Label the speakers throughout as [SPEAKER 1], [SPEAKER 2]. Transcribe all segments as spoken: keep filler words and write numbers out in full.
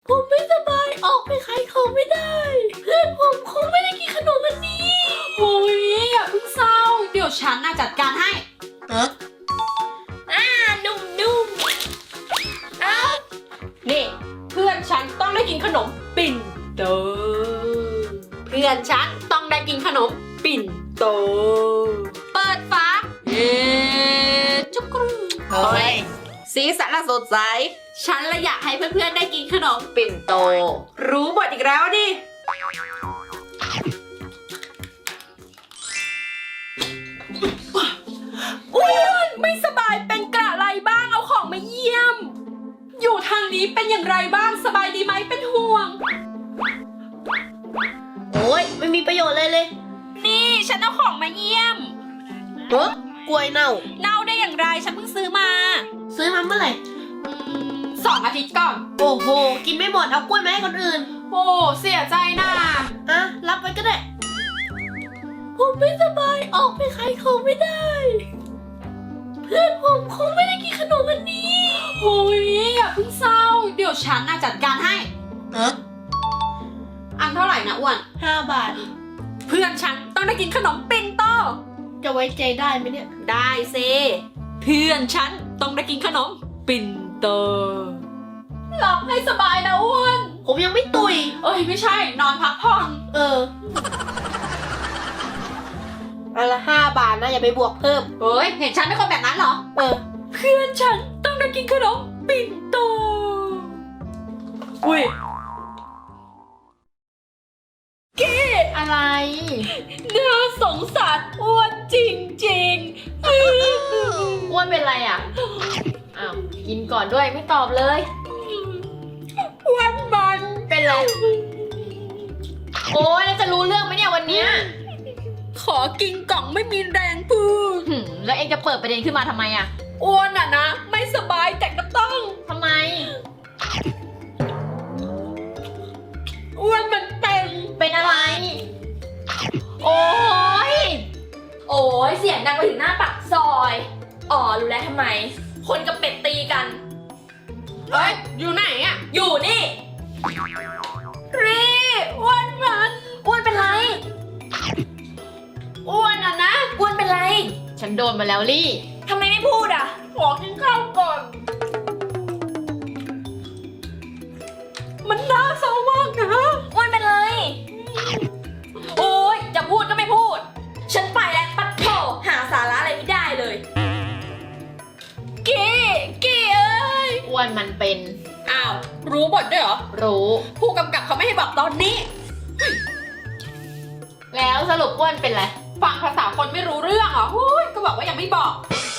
[SPEAKER 1] ผมไม่สบายออกไปขายของไม่ได้ เพื่อนผมคงไม่ได้กินขนมวันนี้
[SPEAKER 2] โอ้ยอย่าเพิ่งเศร้าเดี๋ยวฉันน่ะจัดการให้
[SPEAKER 1] เอออ่านุ่มนุ่มอ้าวนี่เพื่อนฉันต้องได้กินขนมปิ่นโตเพื่อนฉันต้องได้กินขนมปิ่นโตเปิดฝาเอ๊ะจุกกรูเฮ้ยสีสันสดใสฉันละอยากให้เพื่อนๆได้กินขนมปิ่นโตรู้บทอีกแล้วดิอ้วนไม่สบายเป็นกระไรบ้างเอาของมาเยี่ยมอยู่ทางนี้เป็นอย่างไรบ้างสบายดีไหมเป็นห่วงโอ้ยไม่มีประโยชน์เลยเลยนี่ฉันเอาของมาเยี่ยมเฮ้ยกล้วยเน่าเน่าได้อย่างไรฉันเพิ่งซื้อมาซื้อมาเมื่อไหร่สองอาทิตย์ก่อนโอ้โหกินไม่หมดเอากล้วยมาให้คนอื่นโอ้เสียใจนะอ่ะรับไว้ก็ได้ผมไม่สบายออกไปขายของไม่ได้เพื่อนผมคงไม่ได้กินขนมวันนี้
[SPEAKER 2] โอ้ยอย่าเพิ่งเศร้าเดี๋ยวฉันน่ะจัดการให้
[SPEAKER 1] เออ
[SPEAKER 2] อันเท่าไหร่นะอ้วน
[SPEAKER 1] ห้าบาทเพื่อนฉันต้องได้กินขนมปิ่นโตจะไว้ใจได้ไหมเนี่ยได้เซเพื่อนฉันต้องได้กินขนมปิ่นโตหลับให้สบายนะอ้วนผมยังไม่ตุยเอ้ยไม่ใช่นอนพักผ่อนเอออันละห้าบาทนะอย่าไปบวกเพิ่ม
[SPEAKER 2] เฮ้ยเห็นฉันเป็นคนแบบนั้นเหรอ
[SPEAKER 1] เออเพื่อนฉันต้องได้กินขนมปิ่นโตอุ้ยเก้
[SPEAKER 2] อะไร
[SPEAKER 1] น่าสงสารอ้วนจริงๆ
[SPEAKER 2] อ้วนเป็นไรอ่ะอ้าวกินก่อนด้วยไม่ตอบเลย
[SPEAKER 1] อ้วนมัน
[SPEAKER 2] เป็นไรโอ้ยแล้วจะรู้เรื่องไหมเนี่ยวันเนี้ย
[SPEAKER 1] ขอกินกล่องไม่มีแรงพูด
[SPEAKER 2] แล้วเองจะเปิดประเด็นขึ้นมาทำไมอ่ะ
[SPEAKER 1] อ้วนอ่ะนะไม่สบายแต่ก็ต้อง
[SPEAKER 2] ทำไม
[SPEAKER 1] อ้วนมันเป็น
[SPEAKER 2] เป็นอะไรโอ้ย
[SPEAKER 1] โอ้ยเสียงดังไปถึงหน้าปากซอยอ๋อรู้แล้วทำไมคนกับเป็ดตีกันเฮ้ยอยู่ไหนอ่ะอยู่นี่รีอ้วนมัน
[SPEAKER 2] อ้วนเป็นไร
[SPEAKER 1] อ้วนอ่ะนะอ้วนเป็นไร
[SPEAKER 2] ฉันโดนมาแล้วลี่
[SPEAKER 1] ทำไมไม่พูดอ่ะขอกินข้าวก่อนมันน่าเศร้ามากนะอ้วนเป็นไรโอ้ยจะพูดก็ไม่พูดฉันไปแล้วปัดโถหาสาระอะไรไม่ได้เลยกี้กี้เอ้ย
[SPEAKER 2] อ้วนมันเป็น
[SPEAKER 1] อ้าวรู้บทด้วยเหรอ
[SPEAKER 2] รู้
[SPEAKER 1] ผู้กำกับเขาไม่ให้บอกตอนนี้
[SPEAKER 2] แล้วสรุปอ้วนเป็นไร
[SPEAKER 1] ฟังภาษาคนไม่รู้เรื่องเหรอฮู้ยก็บอกว่ายังไม่บอก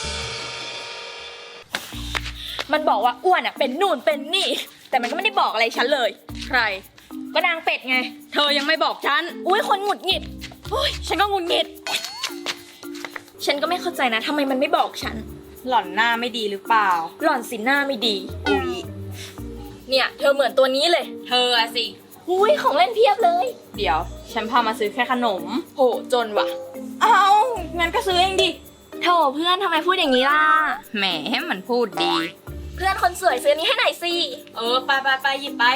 [SPEAKER 1] มันบอกว่าอ้วนอ่ะเป็นนู่นเป็นนี่แต่มันก็ไม่ได้บอกอะไรฉันเลยใครก็นางเป็ดไงเธอยังไม่บอกฉันอุ้ยคนหงุดหงิดอุ้ยฉันก็หงุดหงิดฉันก็ไม่เข้าใจนะทำไมมันไม่บอกฉัน
[SPEAKER 2] หล่อนหน้าไม่ดีหรือเปล่า
[SPEAKER 1] หล่อนสิหน้าไม่ดีอุ้ยเนี่ยเธอเหมือนตัวนี้เลย
[SPEAKER 2] เธออะสิ
[SPEAKER 1] อุ้ยของเล่นเพียบเลย
[SPEAKER 2] เดี๋ยวฉันพามาซื้อแค่ขนม
[SPEAKER 1] โหจนว่ะเอางั้นก็ซื้อเองดิโธ่เพื่อนทำไมพูดอย่างนี้ล่ะ
[SPEAKER 2] แหมให้มันพูดดี
[SPEAKER 1] เพื่อนคนสวยซื้อนี้ให้หน่อยสิเออไปไปไปหยิบไป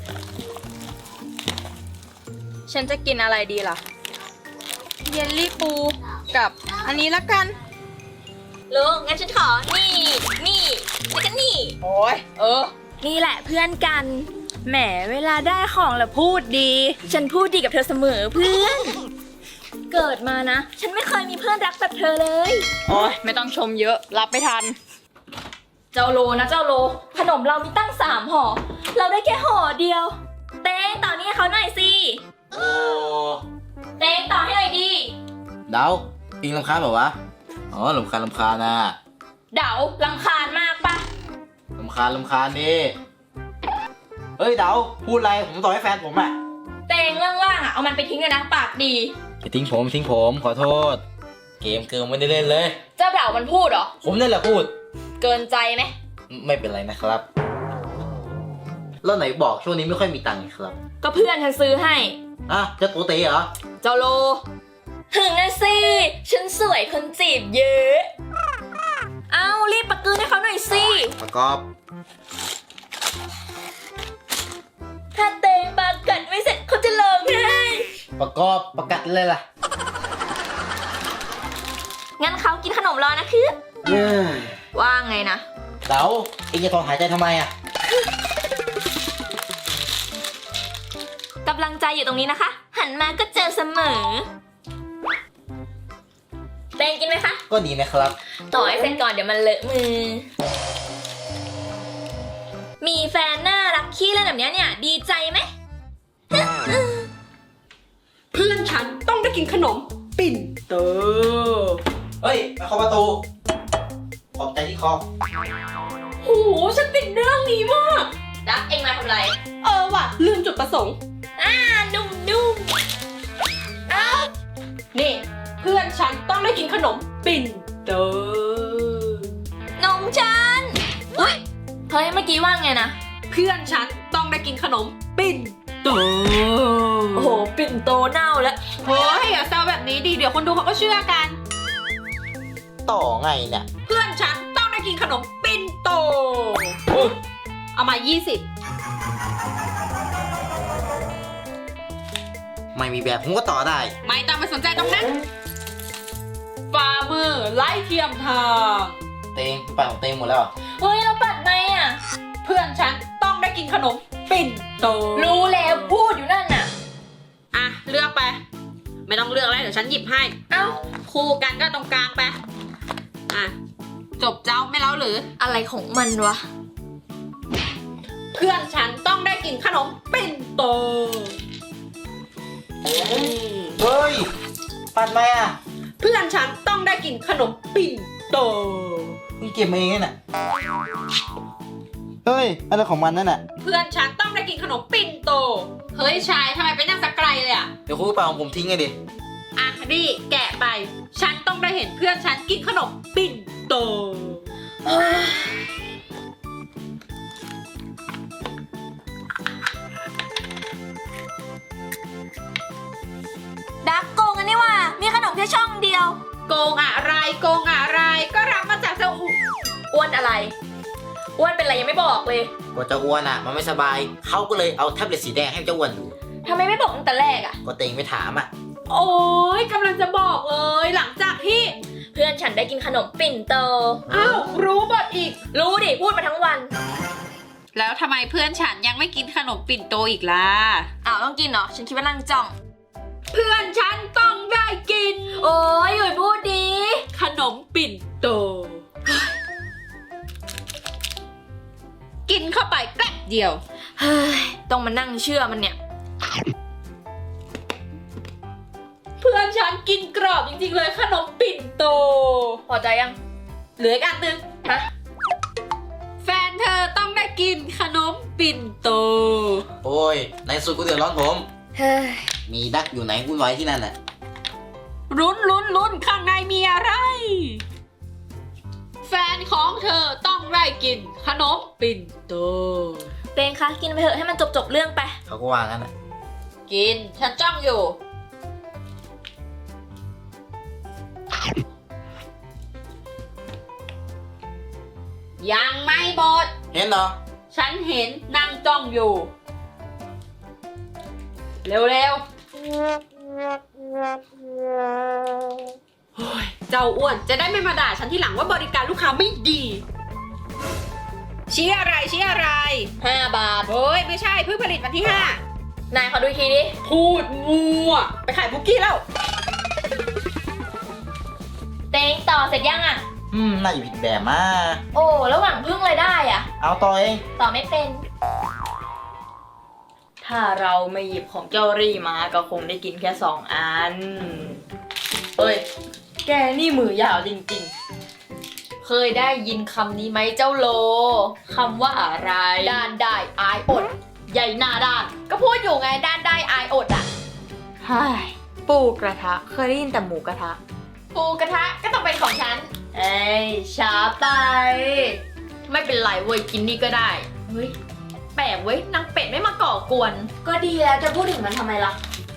[SPEAKER 2] ฉันจะกินอะไรดีล่ะเยลลี่ปูกับอันนี้ละกัน
[SPEAKER 1] ลุงงั้นฉันขอนี่นี่แล้วก็นี่
[SPEAKER 2] โอ้ยเออ
[SPEAKER 1] นี่แหละเพื่อนกันแหมเวลาได้ของแล้วพูดดีฉันพูดดีกับเธอเสมอเพื่อนเกิดมานะฉันไม่เคยมีเพื่อนรักแบบเธอเลย
[SPEAKER 2] โอ้ยไม่ต้องชมเยอะรับไม่ทัน
[SPEAKER 1] เจ้าโลนะเจ้าโลขนมเรามีตั้งสามห่อเราได้แค่ห่อเดียวเต้งต่อนี่ให้เขาหน่อยสิ
[SPEAKER 3] โอ้
[SPEAKER 1] เต้งต่อให้หน่อยดิ
[SPEAKER 3] เดาอิงลำคาญเปล่าวะอ๋อลำคาญลำคาญนะ
[SPEAKER 1] เดาลำคาญมากปะ
[SPEAKER 3] ลำคาญลำคาญดิเฮ้ยเดาพูดอะไรผมต่อให้แฟนผมอะ
[SPEAKER 1] เต้งเรื่องล่างอะเอามันไปทิ้งเลยนะปากดี
[SPEAKER 3] อย่าทิ้งผมทิ้งผมขอโทษเกมเกินไม่ได้เล่นเลย
[SPEAKER 1] เจ้าเดามันพูดเหรอ
[SPEAKER 3] ผมนั่นแหละพูด
[SPEAKER 1] เกินใจไหม
[SPEAKER 3] ไม่เป็นไรนะครับแล้วไหนบอกช่วงนี้ไม่ค่อยมีตังค์ครับ
[SPEAKER 1] ก็เพื่อนฉันซื้อให้
[SPEAKER 3] อ่ะจะโตเต๋เหรอ
[SPEAKER 1] เจ้าโลถึงนะสิฉันสวยคนจีบเยอะเอารีบปะกือให้เขาหน่อยสิ
[SPEAKER 3] ประกอบประกอบประกัดเลยล่ะ
[SPEAKER 2] งั้นเขากินขนมรอนะคือ
[SPEAKER 3] เย้ย
[SPEAKER 2] ว่าไงนะ
[SPEAKER 3] เต๋าเอ็งจะถอนหายใจทำไมอ่ะ
[SPEAKER 2] กำลังใจอยู่ตรงนี้นะคะ หันมาก็เจอเสมอเตงกินไหมคะ
[SPEAKER 3] ก็ดีนะครับ
[SPEAKER 2] ต่อให้เสร็จก่อนเดี๋ยวมันเลอะมือ มีแฟนน่ารักขี้เล่นแบบเนี้ยเนี่ย ดีใจไหม
[SPEAKER 1] เพื่อนฉันต้องได้กินขนมปิ่นโต
[SPEAKER 3] เฮ้ยมาเข้าประตูขอบใจที่คอ
[SPEAKER 1] โหฉันติดเรื่องนี้มาก
[SPEAKER 2] ดักเองมาทำไร
[SPEAKER 1] เออว่ะลืมจุดประสงค์
[SPEAKER 2] อ่า นุ่มนุ่มเอ้า
[SPEAKER 1] นี่เพื่อนฉันต้องได้กินขนมปิ่นโต
[SPEAKER 2] นมฉันอุ้ยเฮ้ย เมื่อกี้ว่าไงนะ
[SPEAKER 1] เพื่อนฉันต้องได้กินขนมปิ่นโต
[SPEAKER 2] โอ้โห ปิ่นโตเน่าแล้ว
[SPEAKER 1] เฮ้ยอย่าแซวแบบนี้ดิเดี๋ยวคนดูเขาก็เชื่อกัน
[SPEAKER 3] ต่อไงเนี่ย
[SPEAKER 1] เพื่อนฉันต้องได้กินขนมปิ่นโต เอามายี่สิบ
[SPEAKER 3] ไม่มีแบบผมก็ต่อได้
[SPEAKER 1] ไม่ต้องไปสนใจตรงนั้นฝ่ามือไล่เทียมทาง
[SPEAKER 3] เตงไปของเตงหมดแล้วเหรอ
[SPEAKER 2] เฮ้ย เราปัดไงอ่ะ
[SPEAKER 1] เพื่อนฉันต้องได้กินขนมปิ่นโต
[SPEAKER 2] รู้แล้วพูดอยู่นั่นน่ะ
[SPEAKER 1] อ่ะเลือกไป ไม่ต้องเลือกแล้วเดี๋ยวฉันหยิบให้
[SPEAKER 2] เอ้า
[SPEAKER 1] คู่กันก็ตรงกลางไปอ่ะจบเจ้าไม่เล่าหรือ
[SPEAKER 2] อะไรของมันวะ
[SPEAKER 1] เพื่อนฉันต้องได้กินขนมปิ่นโตอืม
[SPEAKER 3] เฮ้ย ปัดไหมอ่ะ
[SPEAKER 1] เพื่อนฉันต้องได้กินขนมปิ่นโต
[SPEAKER 3] มึงเก็บมาเองนี่น่ะเฮ้ยอะไรของมันนั่นน่ะ
[SPEAKER 1] เพื่อนฉันต้องได้กินขนมปิ่นโต เฮ้ยชายทำไมไปนั่งสักไกลเลยอ่ะ
[SPEAKER 3] เดี๋ยวคุณไปเอาของผมทิ้งไงดิ
[SPEAKER 1] อ่ะดิแกะไป ฉันต้องได้เห็นเพื่อนฉันกินขนมปิ่นโต
[SPEAKER 2] ดักโกงกันนี่ว่า มีขนมแค่ช่องเดียว
[SPEAKER 1] โกงอะไรโกงอะไรก็รับมาจากเจ้าอุ
[SPEAKER 2] อ้วนอะไร อ้วนเป็นอะไรยังไม่บอกเลย
[SPEAKER 3] กว่าจะอ้วนอ่ะ มันไม่สบาย เขาก็เลยเอาแท็บเล็ตสีแดงให้เจ้าอ้วนดู
[SPEAKER 2] ทำไมไม่บอกตั้งแต่แรกอ่ะ
[SPEAKER 3] ก็เตงไม่ถามอ่ะ
[SPEAKER 1] โอ้ยกำลังจะบอกเลยหลังจากที่
[SPEAKER 2] เพื่อนฉันได้กินขนมปิ่นโต
[SPEAKER 1] อ้าวรู้บทอีก
[SPEAKER 2] รู้ดิ พูดมาทั้งวัน
[SPEAKER 1] แล้วทำไมเพื่อนฉันยังไม่กินขนมปิ่นโตอีกล่ะ
[SPEAKER 2] อ้าวต้องกินเหรอ ฉันคิดว่านั่งจ้อง
[SPEAKER 1] เพื่อนฉันต้องได้กิน
[SPEAKER 2] โอ้ยหยุดพูดดี
[SPEAKER 1] ขนมปิ่นโต กินเข้าไปแป๊บเดียว
[SPEAKER 2] เฮ้ย ต้องมานั่งเชื่อมันเนี่ย
[SPEAKER 1] เพื่อนฉันกินกรอบจริงๆเลยขนมปิ่นโต
[SPEAKER 2] พอใจยัง
[SPEAKER 1] เหลืออีกอันหนึง
[SPEAKER 2] ฮะ
[SPEAKER 1] แฟนเธอต้องได้กินขนมปิ่นโต
[SPEAKER 3] โอ้ย ในสุดกูเดือดร้อนผม
[SPEAKER 2] เฮ้ย
[SPEAKER 3] มีดักอยู่ไหนวุ่นวายที่นั่นน่ะ
[SPEAKER 1] ลุ้นลุ้นลุ้นข้างในมีอะไร แฟนของเธอต้องได้กินขนมปิ่นโต
[SPEAKER 2] เตงคะ กินไปเถอะให้มันจบจบๆเรื่องไป
[SPEAKER 3] เขาก็ว่างั้นน่ะ
[SPEAKER 1] กิน ฉันจ้องอยู่ ยังไม่หมด
[SPEAKER 3] เห็นเหรอ
[SPEAKER 1] ฉันเห็นนั่งจ้องอยู่ เร็วๆโอ้ยเจ้าอ้วนจะได้ไม่มาด่าฉันที่หลังว่าบริการลูกค้าไม่ดี ชี้อะไรชี้อะไร
[SPEAKER 2] ห้าบาท
[SPEAKER 1] เฮ้ย ไม่ใช่เพิ่งผลิตวันที่ห้าน
[SPEAKER 2] ายขอดูอีกทีดิ
[SPEAKER 1] พูดมัว ไปขายบุกกี้แล้ว
[SPEAKER 2] เตงต่อเสร็จยังอ่ะ
[SPEAKER 3] อืม น่าจะผิดแบบมา
[SPEAKER 2] โอ้ระหว่างพึ่งเลยได้อ่ะ
[SPEAKER 3] เอาต่อเอง
[SPEAKER 2] ต่อไม่เป็น ถ้าเราไม่หยิบของเจ้ารี่มาก็คงได้กินแค่สองอัน เอ้ย แกนี่มือยาวจริงๆ เคยได้ยินคำนี้ไหมเจ้าโล คำว่าอะไร ด้านได้อายอด ใหญ่หน้าด้าน ก็พูดอยู่ไงด้านได้อายอดอ่ะใช่ปูกระทะ เคยได้ยินแต่หมูกระทะ ปูกระทะก็ต้องเป็นของฉัน เอ้ยช้าไป ไม่เป็นไรเว้ยกินนี่ก็ได้ เฮ้ย แปลกเว้ยนางเป็ดไม่มาก่อกวน ก็ดีแล้วจะพูดถึงมันทำไมล่ะ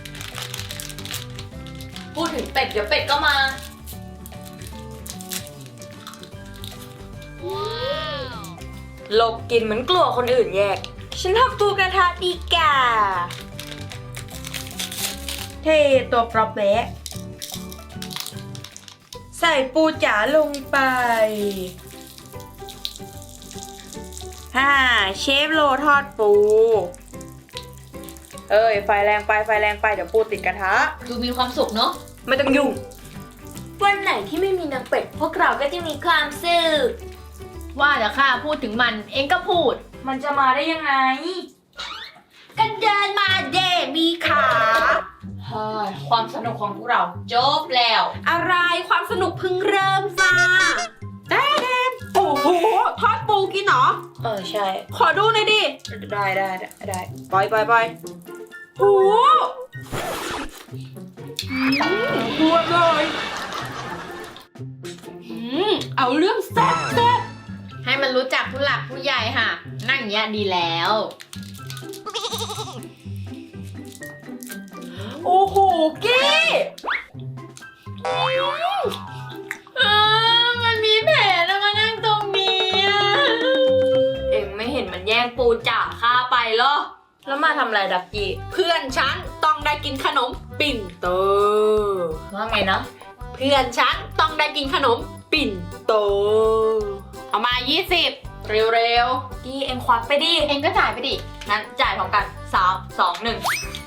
[SPEAKER 2] พูดถึงเป็ดเดี๋ยวเป็ดก็มา หลบกินเหมือนกลัวคนอื่นแยก ฉันทำปูกระทะดีกว่า
[SPEAKER 4] เทตัวปรอบแวะใส่ปูจ๋าลงไปฮ่าเชฟโลทอดปู เอ้ย ไฟแรงไป ไฟแรงไป เดี๋ยวปูติดกระทะ
[SPEAKER 2] ดูมีความสุขเนาะ
[SPEAKER 4] ไม่ต้องยุ่ง
[SPEAKER 1] วันไหนที่ไม่มีนางเป็ด พวกเราก็จะมีความสุข
[SPEAKER 2] ว่าแต่ข้าพูดถึงมันเองก็พูด
[SPEAKER 4] มันจะมาได้ยังไง
[SPEAKER 1] กันเดินมาเดมีขา
[SPEAKER 2] เฮ้ยความสนุกของพวกเราจบแล้ว
[SPEAKER 1] อะไรความสนุกเพิ่งเริ่มจ้าแดนแดนโอ้โหทอดปูกินเหรอ
[SPEAKER 4] เออ ใช่
[SPEAKER 1] ขอดูหน่อยดิ
[SPEAKER 4] ได้ได้ได้ได้ปล่อยปล่อยปล่อย
[SPEAKER 1] โหรวดเลยอืมเอาเรื่องแซ่บแซ่บ
[SPEAKER 2] ให้มันรู้จักผู้หลักผู้ใหญ่ค่ะ นั่งอย่างเงี้ยดีแล้ว
[SPEAKER 4] โอ้โห กี้
[SPEAKER 2] เออมันมีแผลแล้วมานั่งตรงนี้อะ
[SPEAKER 4] เอ็งไม่เห็นมันแย่งปูจ๋าข้าไปเหรอ แล้วมาทำอะไรดักกี้
[SPEAKER 1] เพื่อนฉันต้องได้กินขนมปิ่นโต
[SPEAKER 2] ว่าไงนะ
[SPEAKER 1] เพื่อนฉันต้องได้กินขนมปิ่นโต เอามายี่สิบ
[SPEAKER 2] เร็ว
[SPEAKER 4] กี้เอ็งควักไปดิ
[SPEAKER 2] ๆ เองก็จ่ายไปดิ
[SPEAKER 4] งั้นจ่ายพร้อมกันสามสองหนึ่ง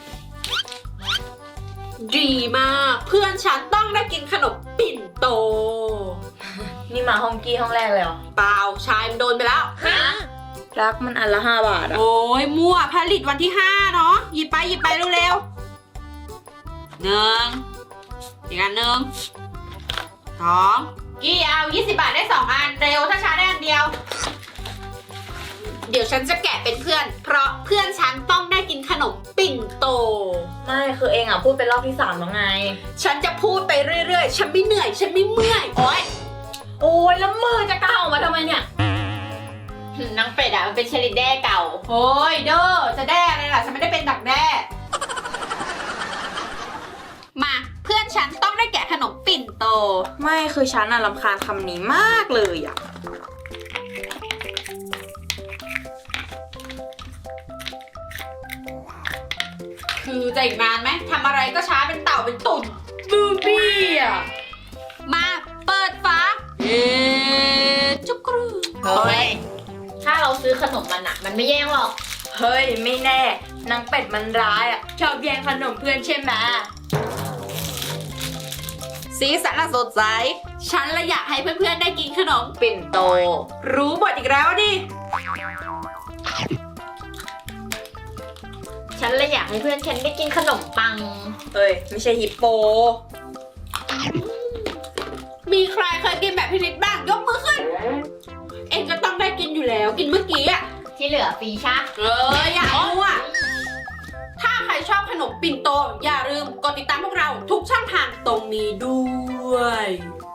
[SPEAKER 1] ดีมาก เพื่อนฉันต้องได้กินขนมปิ่นโต
[SPEAKER 4] นี่มาห้องกี้ห้องแรกเลยเหรอ
[SPEAKER 1] เปล่าชายมันโดนไปแล้ว
[SPEAKER 2] ฮะ
[SPEAKER 4] รักมันอันละห้าบาทอะ
[SPEAKER 1] โอ้ยมั่วผลิตวันที่ห้าเนาะหยิบไปหยิบไปเร็วๆหนึ่งอีกอันหนึ่งสองกี่เอายี่สิบบาทได้สองอันเร็วถ้าช้าได้อันเดียว เดี๋ยวฉันจะแกะเป็นเพื่อน เพราะเพื่อนฉันต้องได้กินขนมปิ่นโต
[SPEAKER 4] ไม่คือเอ็งอะพูดเป็นรอบที่สามแล้วไง
[SPEAKER 1] ฉันจะพูดไปเรื่อยๆ ฉันไม่เหนื่อย ฉันไม่เมื่อย โอ๊ย
[SPEAKER 4] โอ้ยแล้วมือจะก้าวออกมาทำไมเนี่ย
[SPEAKER 2] นางเป็ดอะมันเป็นเชลิดแด้เก่า
[SPEAKER 1] โอ้ยเด้อจะแด้อะไรล่ะ ฉันไม่ได้เป็นดักแด้ มาเพื่อนฉันต้องได้แกะขนมปิ่นโต
[SPEAKER 4] ไม่คือฉันอะรำคาญคำนี้มากเลยอะ
[SPEAKER 1] คือจะอีกนานไหมทำอะไรก็ช้าเป็นเต่าเป็นตุ่น
[SPEAKER 4] บูบี้อะ
[SPEAKER 1] มาเปิดฝาเอ๊ะจุกกรู
[SPEAKER 2] เฮ้ย ถ้าเราซื้อขนมมันอะมันไม่แย่งหรอก
[SPEAKER 4] เฮ้ยไม่แน่นางเป็ดมันร้ายอะชอบแย่งขนมเพื่อนใช่ไหม
[SPEAKER 1] สีสันน่ะสดใส ฉันละอยากให้เพื่อนๆได้กินขนม
[SPEAKER 4] ปิ่นโต
[SPEAKER 1] รู้บทอีกแล้วดิ
[SPEAKER 2] ฉันเลยอยากให้เพื่อนฉันได้กินขนมปัง
[SPEAKER 4] เฮ้ยไม่ใช่ฮิปโป
[SPEAKER 1] มีใครเคยกินแบบพินิจบ้างยกมือขึ้น เอ็งก็ต้องได้กินอยู่แล้ว กินเมื่อกี้อะ
[SPEAKER 2] ที่เหลือฟรีช่ะ
[SPEAKER 1] เอออย่ามั่วถ้าใครชอบขนมปิ่นโต อย่าลืมกดติดตามพวกเราทุกช่องทางตรงนี้ด้วย